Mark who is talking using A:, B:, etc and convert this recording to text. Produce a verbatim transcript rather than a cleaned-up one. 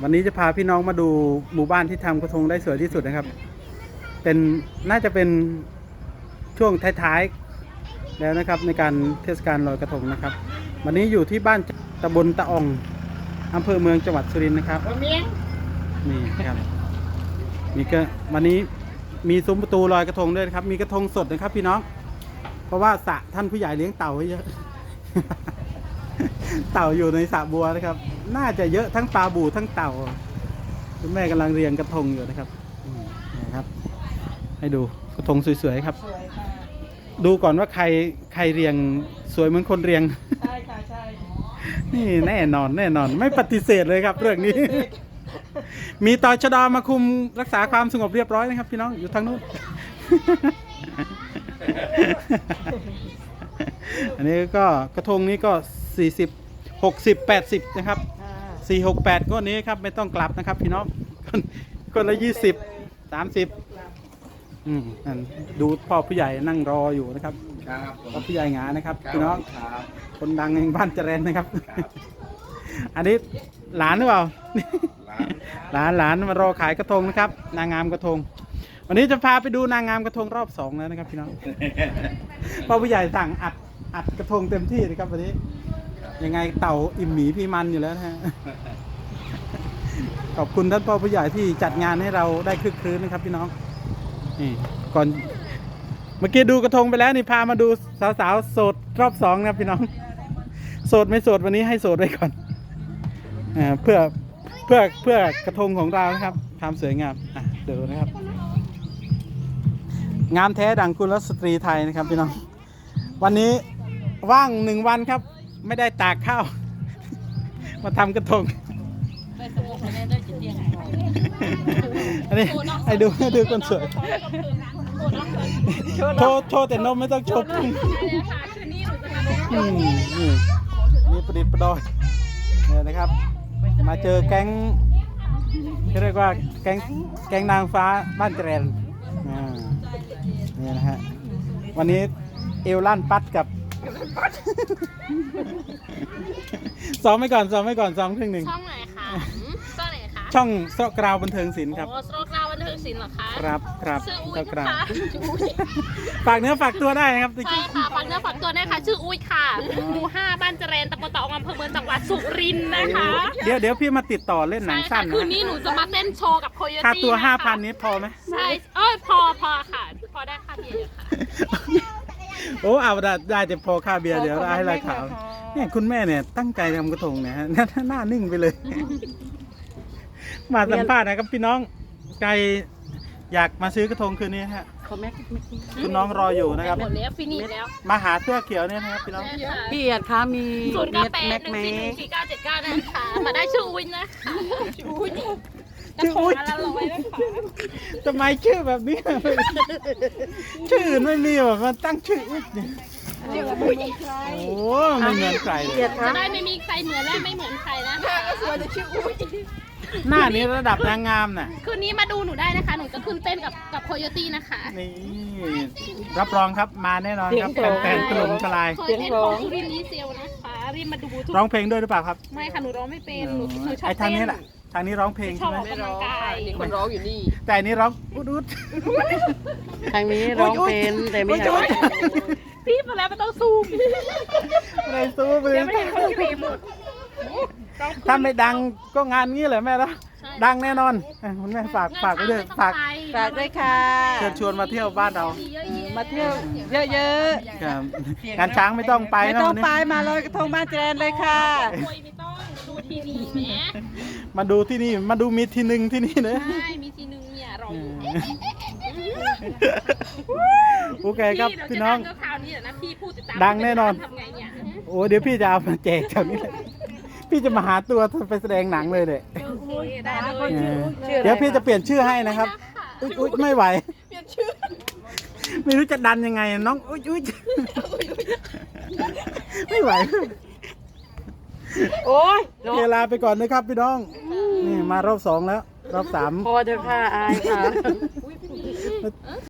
A: วันนี้จะพาพี่น้องมาดูหมู่บ้านที่ทำกระทงได้สวยที่สุดนะครับเป็นน่าจะเป็นช่วงท้ายๆแล้วนะครับในการเทศกาลลอยกระทงนะครับวันนี้อยู่ที่บ้านตำบลตะอองอำเภอเมืองจังหวัดสุรินทร์นะครับนี่ครับมีก็วันนี้มีซุ้มประตูลอยกระทงด้วยครับมีกระทงสดนะครับพี่น้องเพราะว่าสระท่านผู้ใหญ่เลี้ยงเต่าไว้เยอะ เต่าอยู่ในสระบัวนะครับน่าจะเยอะทั้งปลาบู่ทั้งเต่าคุณแม่กำลังเรียงกระทงอยู่นะครับนะครับให้ดูกระทงสวยๆครับดูก่อนว่าใครใครเรียงสวยเหมือนคนเรียงใช่ค่ะใช่นี่แน่นอนแน่นอนไม่ปฏิเสธเลยครับเรื่องนี้ มีตชด.มาคุมรักษาความสงบเรียบร้อยนะครับพี่น้องอยู่ทางนู้น อันนี้ก็กระทงนี้ก็สี่สิบ หกสิบ แปดสิบนะครับสี่ หก แปดก็นี้ครับไม่ต้องกลับนะครับพี่น้องคนละยี่สิบ สามสิบอืมดูพ่อผู้ใหญ่นั่งรออยู่นะครับพ่อผู้ใหญ่หงานะครับพี่น้องคนดังแห่งบ้านเจริญนะครับอันนี้หลานหรือเปล่าหลานหลานมารอขายกระทงนะครับนางงามกระทงวันนี้จะพาไปดูนางงามกระทงรอบสองแล้วนะครับพี่น้องพ่อผู้ใหญ่สั่งอัดอัดกระทงเต็มที่นะครับวันนี้ยังไงเต่าอิ่มหมีพี่มันอยู่แล้วนะฮะขอบคุณท่านพ่อผู้ใหญ่ที่จัดงานให้เราได้คึกคืนนะครับพี่น้องนี่ก่อนเมื่อกี้ดูกระทงไปแล้วนี่พามาดูสาวๆโสดรอบสองนะครับพี่น้องโสดไม่โสดวันนี้ให้โสดไว้ก่อนอ่าเพื่อเพื่อเพื่อกระทงของเรานะครับความสวยงามอ่ะดูนะครับงามแท้ดังกุลสตรีไทยนะครับพี่น้องวันนี้ว่างหนึ่งวันครับไม่ได้ตากข้าวมาทำกระทงอันนี้ให้ดูให้ดูคนสวยโชว์โชว์แต่นมไม่ต้องโชว์พุงนี่นี่ประดิษฐ์ประดอยเนี่ยนะครับมาเจอแก๊งเรียกว่าแก๊งแก๊งนางฟ้าบ้านเจริญนี่นะฮะวันนี้เอลลั่นปัดกับซ้อมไว้ก่อนซ้อมไว้ก่อนซ้อมครึ่งหนึ่ง
B: ช่องไหนคะช่องไหนคะ
A: ช่องโซกราวบันเทิงศิลป์ครับ
B: โอ้โซกราวบันเทิงศิลป์เหรอคะ
A: ครับครับ
B: ชื่ออุ้
A: โซ
B: ย
A: กราว
B: ค่ะ
A: ฝากเนื้อฝากตัวได้นะครับ
B: ใช่ค่ะฝากเนื้อฝากตัวได้ค่ะชื่ออุ้ยค่ะหมู่ห้าบ้านเจริญตำบลตะอองอำเภอเมืองจังหวัดสุรินทร์นะคะ
A: เดี๋ยวเดี๋ยวพี่มาติดต่อเล่นหนังสั้นนะ
B: คืนนี้หนูจะมาเต้นโชว์กับโคโยตี้
A: ค่าตัวห้าพันนี้พอไหม
B: ใช่เอ้ยพอพอค่ะพอได้ค่าเบียร์ค่ะ
A: โอ้เอาได้ได้จะพอค่าเบียร์เดี๋ยวได้ให้ราคาเนี่ยคุณแม่เนี่ยตั้งใจทำกระทงเนี่ยฮะหน้านิ่งไปเลยมาสัมภาษณ์นะครับพี่น้องใครอยากมาซื้อกระทงคืนนี้ฮะคุณน้องรออยู่นะครับ
B: หมดแล้วฟินิชแล้ว
A: มาหาเสื้อเขียวเนี่ยนะครับพี่น้อง
C: พี่เอียดคะมี
B: ศูนย์เก้าแปดหนึ่งสี่หนึ่งสี่เก้าเจ็ดเก้านะคะมาได้ชื่ออุ้ยนะคะชื่ออุ้ยกระทงละร้อยนะคะ
A: ทำไมชื่อแบบนี้ชื่ออื่นไม่มีแบบมันตั้งชื่ออุ้ยโอ้ไม่เหมือนใครเลย
B: จะได้ไม่มีใครเหมือนและไม่เหมือนใครนะคะก็สวยจะชื่ออุ้ย
A: หน้านี้ระดับนางงามน่ะ
B: คืนนี้มาดูหนูได้นะคะหนูจะขึ้นเต้นกับกับโคโยตี้นะคะ
A: นี่รับรองครับมาแน่นอนครับแฟนๆถล่มทลาย
B: เคยเต้นของสุรินทร์ดีเซลนะคะรีบมาดู
A: ร้องเพลงด้วยหรือเปล่าครับ
B: ไม่ค่ะหนูร้องไม่เป็นหนูหนูชอบ
A: ไอ้ทางนี้แหละทางนี้ร้องเพลงใช่ไหม
B: ไม่ร้อง
C: มีคนร้องอยู่นี่
A: แต่นี้ร้องอุดอุด
C: ทางนี้ร้องเป็นแต่ไม่ใช่
B: พี่มาแล้วไม่ต้องซูม
A: ไม่ซูมเลย
B: ไม่เห็นเขาสีหมด
A: ถ้าไม่ดังก็งานงี้เลยแม่ละดังแน่นอนคุณแม่ฝากฝากไว้ด้วยฝาก
C: ฝากด้วยค่ะ
A: เชิญชวนมาเที่ยวบ้านเรา
C: มาเที่ยวเยอะ
A: ๆครับงานช้างไม่ต้องไป
C: ไม่ต้องไปมาลอยกระทงบ้านเจริญเลยค่ะ
B: ไม่ต้องดูที่นี่แหม
A: มาดูที่นี่มาดูมีทีหนึ่งที่นี่เลย
B: ใช่มีทีหนึ่งเนี่ยรอ
A: โอเคครับพี่น้อง
B: ดั
A: งแน่นอนโอ้เดี๋ยวพี่จะเอามาแจกแถวนี้เลยพี่จะมาหาตัวไปแสดงหนังเลยเลยเดี๋ยวพี่จะเปลี่ยนชื่อให้นะครับอุ๊ยอุ๊ยไม่ไหวเปลี่ยนชื่อไม่รู้จะดันยังไงน้องอุ๊ยอุ๊ยไม่ไหว
C: โอ้ย
A: เวลาไปก่อนนะครับพี่น้องนี่มารอบสองแล้วรอบสาม
C: พอเถอะค่ะอายค่ะ